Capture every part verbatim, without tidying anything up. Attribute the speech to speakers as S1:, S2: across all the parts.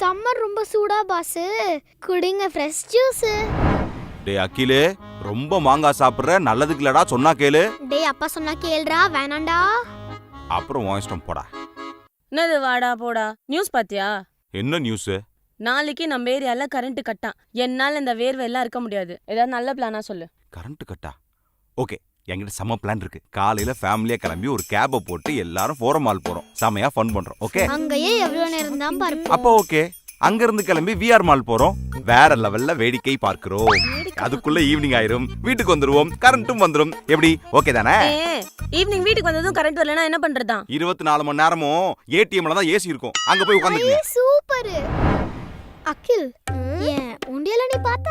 S1: Summer ரொம்ப சூடா pass, குடிங்க ஃப்ரெஷ் ஜூஸ்.
S2: டேய் அகிலே, ரொம்ப மாங்காய் சாப்பிடுற, நல்லதுக்கு இல்லடா, சொன்னா கேளு.
S1: டேய் அப்பா சொன்னா கேளுடா, வேணாண்டா.
S2: அப்புறம் உன் இஷ்டம் போடா.
S3: என்னது வாடா போடா? நியூஸ் பாத்தியா?
S2: என்ன நியூஸ்?
S3: நாளைக்கு நம்ம ஏரியால கரண்ட் கட்டா. என்னால இந்த வேர்வை எல்லாம் இருக்க முடியாது. ஏதாவது நல்ல பிளானா சொல்லு.
S2: கரண்ட் கட்டா? ஓகே, என்கிட்ட செம்ம பிளான் இருக்கு. காலையில ஃபேமிலியா கிளம்பி ஒரு கேப போட்டு எல்லாரும் ஃபோரம் மால் போறோம். செமையா ஃபன் பண்றோம். ஓகே?
S1: அங்கேயே எவ்வளவு நேரம் தான் பார்ப்போம்.
S2: அப்போ ஓகே. அங்க இருந்து கிளம்பி விஆர் மால் போறோம். வேற லெவல்ல வேடிக்கை பார்க்கிறோம். அதுக்குள்ள ஈவினிங் ஆயிரும், வீட்டுக்கு வந்துருவோம், கரண்ட்டும் வந்துரும். எப்படி? ஓகே தானே?
S3: ஈவினிங் வீட்டுக்கு வந்ததும் கரண்ட் வரலனா என்ன பண்றதா?
S2: இருபத்தி நாலு மணி நேரமும் ஏடிஎம்ல தான் ஏசி இருக்கும். அங்க போய் உட்கார்ந்துங்க.
S1: சூப்பர். அகில், ஏன் உண்டியல நீ பார்த்த?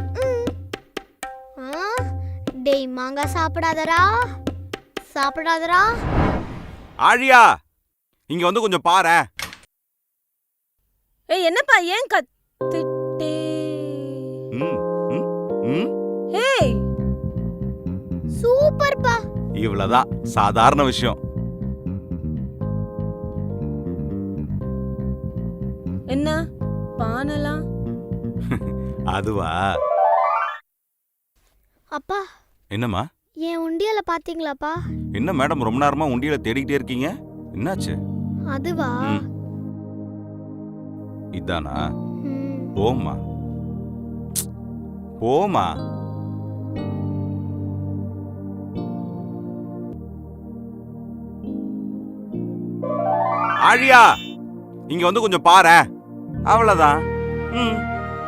S1: டேய் மாங்காய் சாப்பிடாதடா, சாப்பிடாதடா.
S2: ஆழியா, இங்க வந்து கொஞ்சம் பாரு.
S3: ஏய் என்னப்பா ஏன் கத்திட்டே?
S2: ம் ம்
S3: ஏய்
S1: சூப்பர் பா.
S2: இவ்வளவுதான், சாதாரண விஷயம்.
S3: என்ன பானலாம்?
S2: அதுவா?
S1: அப்பா.
S2: என்னம்மா?
S1: ஏன் உண்டியல பாத்தீங்களாப்பா?
S2: என்ன மேடம் ரொம்ப நேரமா உண்டியல தேடிக்கிட்டே இருக்கீங்க? என்னாச்சு?
S1: அதுவா?
S2: இதானா? போமா போமா. ஆழியா, இங்க வந்து கொஞ்சம் பாரு. அவ்வளவுதான். ம்.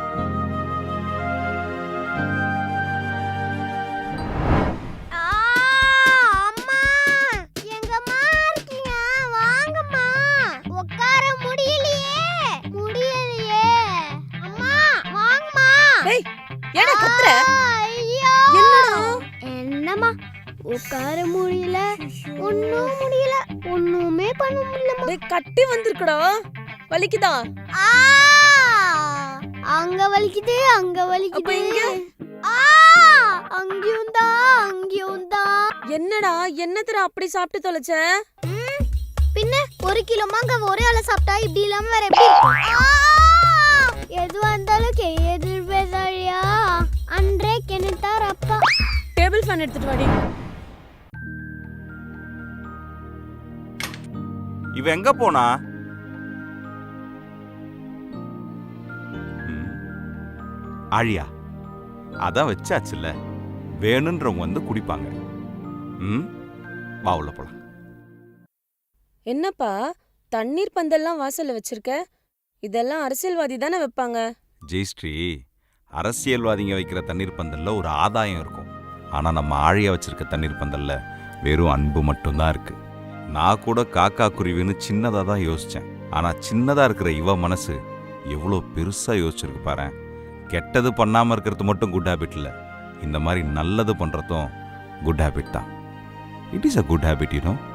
S1: என்னம்மா உட்கார முடியல, ஒண்ணும் முடியல, ஒண்ணுமே பண்ண முடியல.
S3: டேய் கட்டி வந்திருக்குடா, வலிக்குதா?
S1: அங்க வலிக்குது, அங்க வலிக்குது.
S3: இங்க
S1: அங்கேயும் தான், அங்கேயும் தான்.
S3: என்னடா என்னத்தர அப்படி சாப்பிட்டு தொலைச்ச?
S1: பின்ன ஒரு கிலோ மாங்காய் ஒரே ஆள சாப்பிட்டா இப்படி இல்லாம வேற எப்படி இருக்கும்? எது வந்தாலும் எதிர்பேசாழியா அன்றே கெனித்தார் அப்பா.
S3: டேபிள் ஃபேன் எடுத்துட்டு வாடி.
S2: இவ எங்க போனா? ஆழியா, அதான் வச்சாச்சுல்ல, வேணுன்றவங்க வந்து குடிப்பாங்க. ம், வா உள்ள போலாம்.
S3: என்னப்பா தண்ணீர் பந்தல்லாம் வாசல்ல வச்சிருக்க? இதெல்லாம் அரசியல்வாதி தானே வைப்பாங்க.
S2: ஜெயஸ்ரீ, அரசியல்வாதிங்க வைக்கிற தண்ணீர் பந்தல்ல ஒரு ஆதாயம் இருக்கும். ஆனா நம்ம ஆழியா வச்சிருக்க தண்ணீர் பந்தல்ல வெறும் அன்பு மட்டும்தான் இருக்கு. நான் கூட காக்கா குருவின்னு சின்னதா தான் யோசிச்சேன். ஆனா சின்னதா இருக்கிற இவ மனசு எவ்வளோ பெருசா யோசிச்சிருக்கு பாரு. கெட்டது பண்ணாம இருக்கிறது மட்டும் குட் ஹேபிட் இல்ல, இந்த மாதிரி நல்லது பண்றதும் குட் ஹேபிட் தான். It is a good habit, you no.